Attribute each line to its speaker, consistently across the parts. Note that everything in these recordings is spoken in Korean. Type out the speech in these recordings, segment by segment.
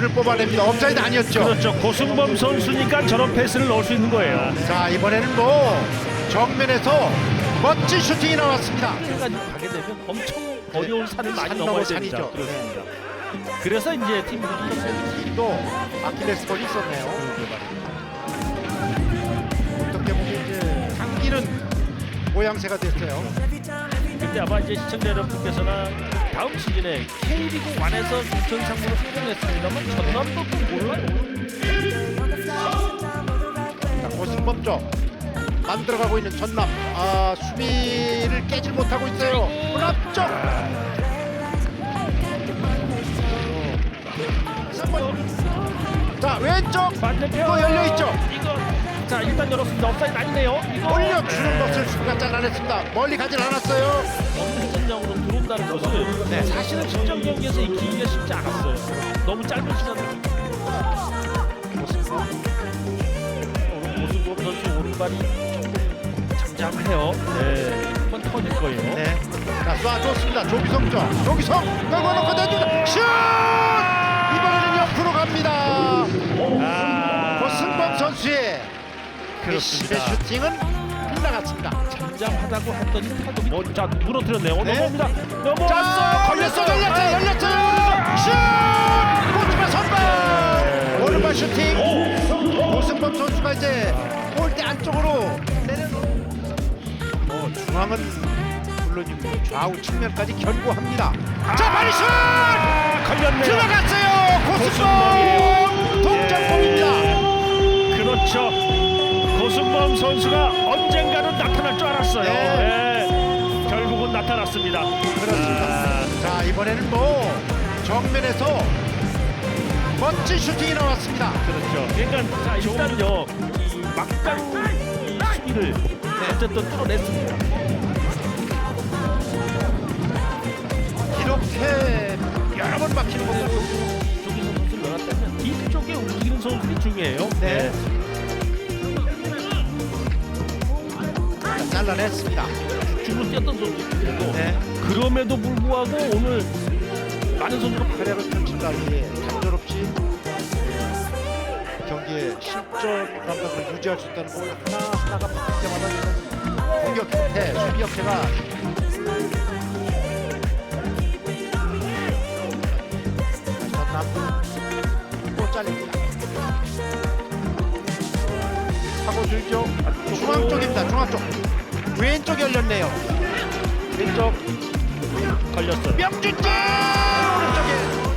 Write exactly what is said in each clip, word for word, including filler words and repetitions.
Speaker 1: 볼을 뽑아냅니다. 업사이드 아니었죠.
Speaker 2: 그렇죠. 고승범 선수니까 저런 패스를 넣을 수 있는 거예요.
Speaker 1: 자, 이번에는 뭐 정면에서 멋진 슈팅이 나왔습니다.
Speaker 2: 여기까지 가게 되면 엄청 어려운 산을 많이
Speaker 1: 산
Speaker 2: 넘어야
Speaker 1: 넘어
Speaker 2: 됩니다.
Speaker 1: 산이죠.
Speaker 2: 그렇습니다. 그래서 이제 팀 분위기
Speaker 1: 팀도 아킬레스건이 있었네요. 어떻게 보면 이제 당기는 모양새가 됐어요.
Speaker 2: 근데 아마 이제 시청자 여러분께서나 다음 시즌에 K리그 일에서 부천 상무로 성공했습니다만 전남도 또 몰라요.
Speaker 1: 자, 고승범 쪽 만들어가고 있는 전남. 아, 수비를 깨질 못하고 있어요. 앞쪽. 자, 왼쪽
Speaker 2: 반대편
Speaker 1: 또 열려 있죠.
Speaker 2: 이거 자 일단 열었습니다. 업사이드 아니네요. 이거
Speaker 1: 올려주는 것을 수비가 잘라냈습니다. 멀리 가진 않았어요.
Speaker 2: 없는 전장으로 들어온다는 것은
Speaker 1: 네.
Speaker 2: 사실은 직전 경기에서 이 기기가 쉽지 않았어요. 너무 짧은 시간에
Speaker 1: 고승범.
Speaker 2: 고승범 선수 오른발이 조금 잠잠해요. 네, 한번 터질 거예요.
Speaker 1: 네. 자, 쏴줬습니다. 조기성 쪽. 조기성 떨궈놓고 던집니다. 슛! 이번에는 옆으로 갑니다.
Speaker 2: 아,
Speaker 1: 고승범 선수의
Speaker 2: 그렇습니다.
Speaker 1: 의 슈팅은 빗나갔습니다.
Speaker 2: 잠잠하다고 했더니 파도이 뭐, 자 무너뜨렸네요.
Speaker 1: 네.
Speaker 2: 넘어옵니다. 넘어왔어요.
Speaker 1: 자, 걸렸어, 열렸어요, 열렸어요. 슛! 골키퍼 선발. 오른발 슈팅. 고승범 선수가 이제 골대 안쪽으로 내려놓은. 어, 중앙은 물론이고 좌우 측면까지 견고합니다. 자, 바리 슛!
Speaker 2: 아, 걸렸네요.
Speaker 1: 들어갔어요. 고승범 동점골입니다.
Speaker 2: 예. 그렇죠. 고승범 선수가 언젠가는 나타날 줄 알았어요.
Speaker 1: 네.
Speaker 2: 예. 결국은 나타났습니다.
Speaker 1: 그렇습니다.
Speaker 2: 아,
Speaker 1: 자, 이번에는 뭐 정면에서 멋진 슈팅이 나왔습니다.
Speaker 2: 그렇죠. 그러니까 자 일단요 이 막강 이 수비를 어쨌든 뚫어냈습니다.
Speaker 1: 이렇게 여러 번 막히는
Speaker 2: 네,
Speaker 1: 거고.
Speaker 2: 조기성 선수를 넣었다면 뒤쪽에 움직이는 선수들이 중요해요.
Speaker 1: 네. 자, 잘라냈습니다.
Speaker 2: 주로 뛰었던 선수들인데도
Speaker 1: 네.
Speaker 2: 그럼에도 불구하고 오늘 많은 선수가
Speaker 1: 활약을 펼칠까지 단조롭지 경기에 실전 감각을 유지할 수 있다는 걸 하나하나가 바뀔 때마다 이런 공격 형태, 수비 형태가 전남 또 잘립니다. 하고 들죠. 중앙 쪽입니다. 중앙 쪽. 왼쪽 열렸네요. 왼쪽
Speaker 2: 걸렸어요.
Speaker 1: 명준재 오른쪽에.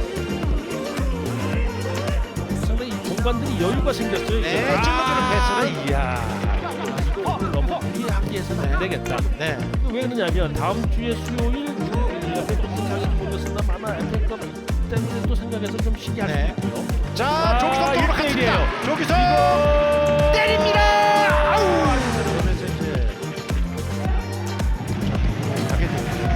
Speaker 2: 상당히 이 공간들이 여유가 생겼어요.
Speaker 1: 네,
Speaker 2: 이제.
Speaker 1: 찔러주는 패스는.
Speaker 2: 이야 이거 너무 무리하게해서는 안 되겠다.
Speaker 1: 네.
Speaker 2: 왜 그러냐면 다음 주에 수요일 옆에 또 생각이 모르겠습니다만 안될것 때문에 또 생각해서 좀 쉬게 할 수
Speaker 1: 네.
Speaker 2: 있고요.
Speaker 1: 자,
Speaker 2: 아,
Speaker 1: 조기성
Speaker 2: 일 대
Speaker 1: 돌아갔습니다.
Speaker 2: 일이에요.
Speaker 1: 조기성
Speaker 2: 이거
Speaker 1: 때립니다. 아우. 그러면서 이제 가게 됩니다.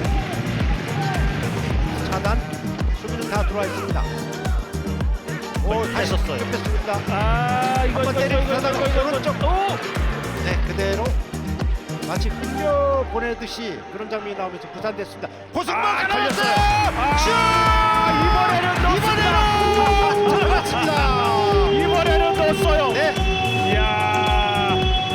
Speaker 1: 차단 수비는 다 들어와 있습니다. 오, 다시
Speaker 2: 뺐었어요.
Speaker 1: 뺐습니다.
Speaker 2: 아 이거
Speaker 1: 한번
Speaker 2: 이거
Speaker 1: 때리고
Speaker 2: 이거
Speaker 1: 가다가
Speaker 2: 이거 이거
Speaker 1: 오른쪽.
Speaker 2: 이거 오!
Speaker 1: 네, 그대로 마치 흘려 보내듯이 그런 장면이 나오면서 부산됐습니다. 고승범
Speaker 2: 아,
Speaker 1: 걸렸어요.
Speaker 2: 아, 이번에는
Speaker 1: 이번에는 들어갔습니다.
Speaker 2: 이번에는 넣었어요.
Speaker 1: 네.
Speaker 2: 이야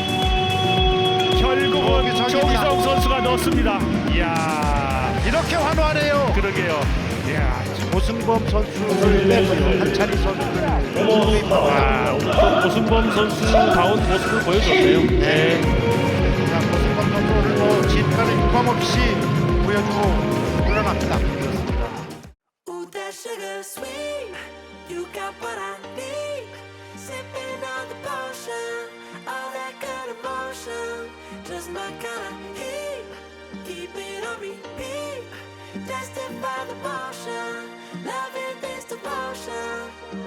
Speaker 2: 결국은
Speaker 1: 거기서
Speaker 2: 조기성 선수가 넣었습니다. 이야
Speaker 1: 이렇게 환호하네요.
Speaker 2: 그러게요. 이야
Speaker 1: 고승범 선수를 빼고 한찬희 선수를
Speaker 2: 아, 오늘 또 고승범 선수다운 모습을 보여줬네요. 네.
Speaker 1: 자, 고승범 선수 오늘 뭐 진가를 유감 없이 보여주고 물러납니다.
Speaker 3: Ooh, that sugar sweet. You got what I need. Sipping on the potion. All that good emotion. Just my kind of heat. Keep it on repeat. Tested by the motion. Loving this devotion.